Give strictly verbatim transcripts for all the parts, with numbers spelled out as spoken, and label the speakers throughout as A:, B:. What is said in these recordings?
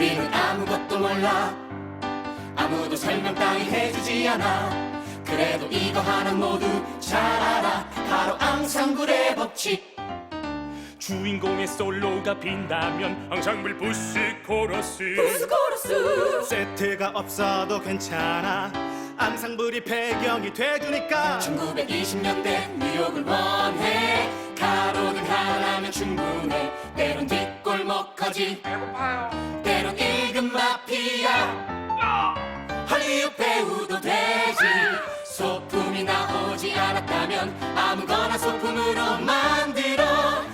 A: 우리는 아무것도 몰라. 아무도 설명 따위 해주지 않아. 그래도 이거 하나 모두 잘 알아. 바로 앙상블의 법칙.
B: 주인공의 솔로가 빈다면 앙상블 부스 코러스.
A: 부스 코러스.
C: 세트가 없어도 괜찮아. 앙상블이 배경이 돼주니까.
A: 천구백이십 년대 뉴욕을 원해. 가로등 하나면 충분해. 때론 뒷골목까지 배고파요. 때론 일급 마피아. 헐리우드 배우도 되지. 소품이 나오지 않았다면 아무거나 소품으로 만들어.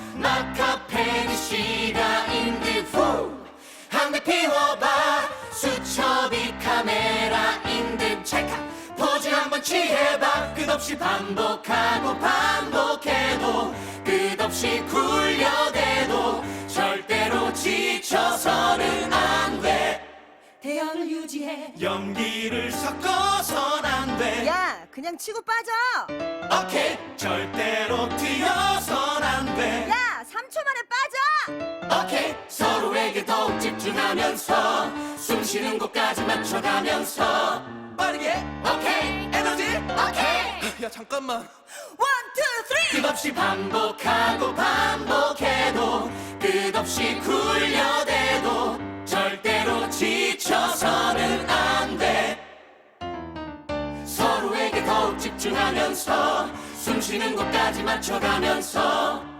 A: 마카페니시가 인드 후. 한 대 피워봐. 수첩이 카메라인 듯 찰칵. 포즈 한번 취해봐. 끝없이 반복하고 반복해도 끝없이 굴려대도 절대로 지쳐서는 안 돼. 대형을 유지해.
C: 연기를 섞어선 안 돼.
D: 야, 그냥 치고 빠져.
A: 오케이.
C: 절대로 튀어선 안 돼.
D: 야, 삼 초 만에 빠져.
A: 오케이. 서로에게 더욱 집중하면서 숨 쉬는 곳까지 맞춰가면서
C: 빠르게
A: 오케이.
C: 에너지.
A: 오케이.
C: 야 잠깐만.
D: 원, 투, 쓰리.
A: 끝없이 반복하고 반복해도 끝없이 굴려대도 절대로 지쳐서는 안 돼. 서로에게 더욱 집중하면서 숨 쉬는 곳까지 맞춰가면서